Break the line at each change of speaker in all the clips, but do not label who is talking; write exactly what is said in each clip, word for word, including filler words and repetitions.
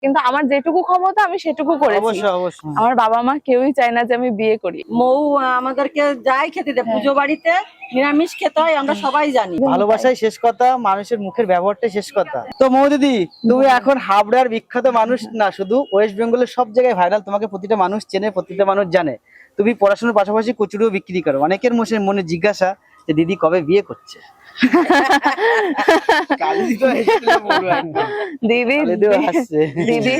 কিন্তু আমার যেটুকু ক্ষমতা আমি সেটুকু করেছি।
অবশ্যই অবশ্যই
আমার বাবা মা কেউই চায় না যে আমি বিয়ে করি।
মৌ আমাদেরকে যাই খেতে দেয়, পুজো বাড়িতে নিরামিষ খেতে হয়, আমরা সবাই জানি।
ভালোবাসাই শেষ কথা, মানুষের মুখের ব্যবহারটাই শেষ কথা। তো মৌ দিদি, তুমি এখন হাবড়ার বিখ্যাত মানুষ না, শুধু ওয়েস্ট বেঙ্গলের সব জায়গায় ভাইরাল, তোমাকে প্রতিটা মানুষ চেনে, প্রতিটা মানুষ জানে। তুমি পড়াশোনার পাশাপাশি কচুরিও বিক্রি করো। অনেকের মনে মনে জিজ্ঞাসা যে দিদি কবে বিয়ে করছে।
দিদি দিদি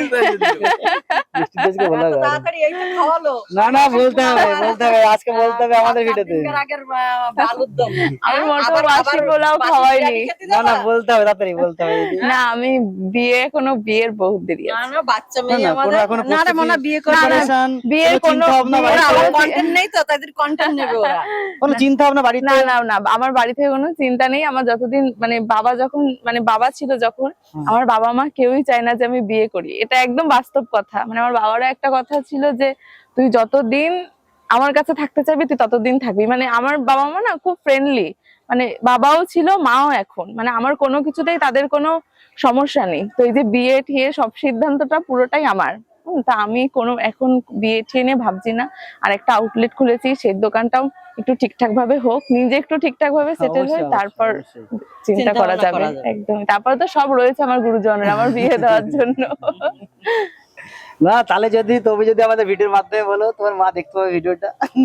না না বলতে হবে, বলতে হবে, আজকে বলতে হবে আমাদের ভিডিওতে।
আমি মোটো বাসি পোলাও খাওয়াইনি।
না না বলতে হবে, তাড়াতাড়ি বলতে হবে।
না আমি বিয়ে কোনো বিয়ের বহুত দেরি আছে।
না না বাচ্চা মেয়ে আমাদের। না রে মনা বিয়ে করে
বিয়ের কোনো
কন্টেন্ট নেই তো, তাদের কন্টেন্ট নেবে ওরা।
কোনো চিন্তা ভাবনা বাড়িতে?
না না না আমার বাড়ি থেকে কোনো চিন্তা নেই। আমার যতদিন মানে বাবা যখন মানে বাবা ছিল যখন, আমার বাবা মা কেউই চায় না যে আমি বিয়ে করি। এটা একদম বাস্তব কথা। মানে আমার বাবারও একটা কথা ছিল যে তুই যতদিন আমার কাছে থাকতে চাইবি তুই ততদিন থাকবি। মানে আমার বাবা মা না খুব ফ্রেন্ডলি, মানে বাবাও ছিল মাও এখন, মানে আমার কোনো কিছুতেই তাদের কোনো সমস্যা নেই। তো এই যে বিয়ে ঠিয়ে সব সিদ্ধান্তটা পুরোটাই আমার। তা আমি কোনো এখন বিয়ে ঠিয়ে নিয়ে ভাবছি না। আর একটা আউটলেট খুলেছি, সেই দোকানটাও একটু ঠিকঠাক ভাবে হোক, নিজে একটু ঠিকঠাক ভাবে সেটেল হয়ে তারপর চিন্তা করা যাবে। একদম তারপর তো সব রয়েছে আমার গুরুজনের আমার বিয়ে দেওয়ার জন্য।
না তাহলে যদি তুমি যদি আমাদের ভিডিওর মাধ্যমে বলো, তোমার মা দেখতে পাবে ভিডিওটা,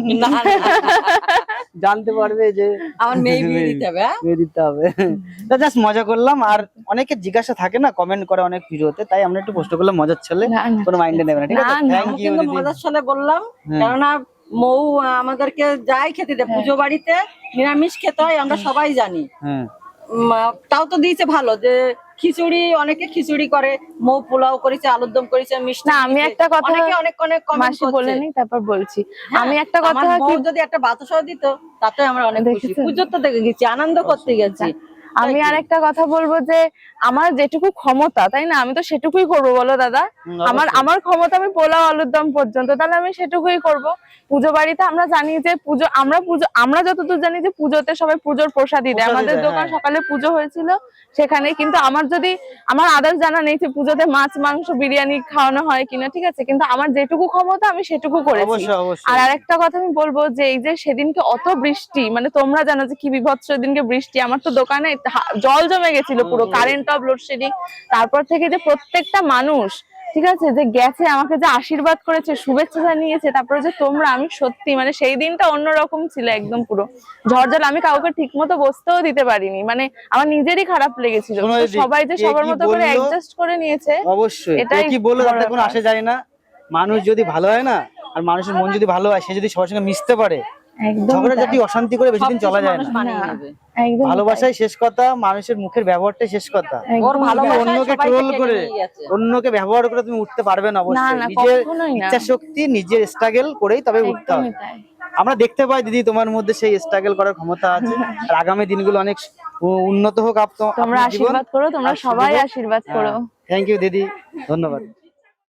জানতে পারবে যে
আমার মেয়ে বিয়ে দিতে হবে।
বিয়ে দিতে হবে। জাস্ট মজা করলাম। আর অনেকে জিজ্ঞাসা থাকে না, কমেন্ট করে অনেক ভিডিওতে, তাই আমরা একটু পোস্ট করলাম মজার ছলে, কোনো মাইন্ডে নেবে না, ঠিক আছে? থ্যাংক ইউ দিদি।
মজার ছলে বললাম কেননা মৌ আমাদেরকে যাই খেতে দেয়, পুজো বাড়িতে নিরামিষ খেতে হয়, আমরা সবাই জানি।
হ্যাঁ
তাও তো দিয়েছে ভালো, যে খিচুড়ি, অনেকে খিচুড়ি করে, মৌ পোলাও করেছে, আলুর দম করেছে, মিষ্টি।
না আমি একটা কথা
অনেকে অনেক অনেক কমেন্ট
মাসি বলেনি, তারপর বলছি আমি একটা কথা,
কি যদি একটা বাতাসাও দিত তাতে আমরা অনেক খুশি। পুজো তো দেখে গেছি, আনন্দ করতে গেছি।
আমি আর একটা কথা বলবো যে আমার যেটুকু ক্ষমতা, তাই না, আমি তো সেটুকুই করবো বলো দাদা। আমার আমার ক্ষমতা আমি পোলাও আলুর দম পর্যন্ত, তাহলে আমি সেটুকুই করব। পুজো বাড়িতে আমরা জানি যে পুজো, আমরা পুজো আমরা যতদূর জানি যে পুজোতে সবাই পুজোর প্রসাদই দেয়। আমাদের দোকান সকালে পুজো হয়েছিল সেখানে, কিন্তু আমার যদি আমার আদার্স জানা নেই যে পুজোতে মাছ মাংস বিরিয়ানি খাওয়ানো হয় কিনা, ঠিক আছে, কিন্তু আমার যেটুকু ক্ষমতা আমি সেটুকু করেছি। আর আরেকটা কথা আমি বলবো যে এই যে সেদিনকে অত বৃষ্টি, মানে তোমরা জানো যে কি বিভৎস সেদিনকে বৃষ্টি, আমার তো দোকানে জল জমে গেছিল পুরো, কারেন্ট অফ, লোডশেডিং। তারপর থেকে যে প্রত্যেকটা মানুষ, ঠিক আছে, যে গেছে আমাকে যে আশীর্বাদ করেছে, শুভেচ্ছা জানিয়েছে, তারপরে যে তোমরা, আমি সত্যি মানে সেই দিনটা অন্যরকম ছিল, একদম পুরো ঝড়ঝড়। আমি কাউকে ঠিক মতো বসতেও দিতে পারিনি, মানে আমার নিজেরই খারাপ লেগেছিল। সবাই যে সবার মতো করে অ্যাডজাস্ট করে নিয়েছে,
অবশ্যই এটাই কি বললো তাতে কোনো আসে যায় না। মানুষ যদি ভালো হয় না, আর মানুষের মন যদি ভালো হয়, সে যদি সবার সঙ্গে মিশতে পারে, ঝগড়া জাতি অশান্তি করে বেশি দিন চলা যায় না। ভালোবাসাই শেষ কথা, মানুষের মুখের ব্যবহারটাই শেষ কথা। অন্যকে ট্রোল করে, অন্যকে ব্যবহার করে তুমি উঠতে পারবে না। অবশ্যই নিজের ইচ্ছা শক্তি, নিজের স্ট্রাগল করেই তবে উঠতে হবে। আমরা দেখতে পাই দিদি তোমার মধ্যে সেই স্ট্রাগল করার ক্ষমতা আছে। আর আগামী দিনগুলো অনেক উন্নত হোক।
তোমরা আশীর্বাদ করো, তোমরা সবাই আশীর্বাদ করো।
থ্যাংক ইউ দিদি, ধন্যবাদ।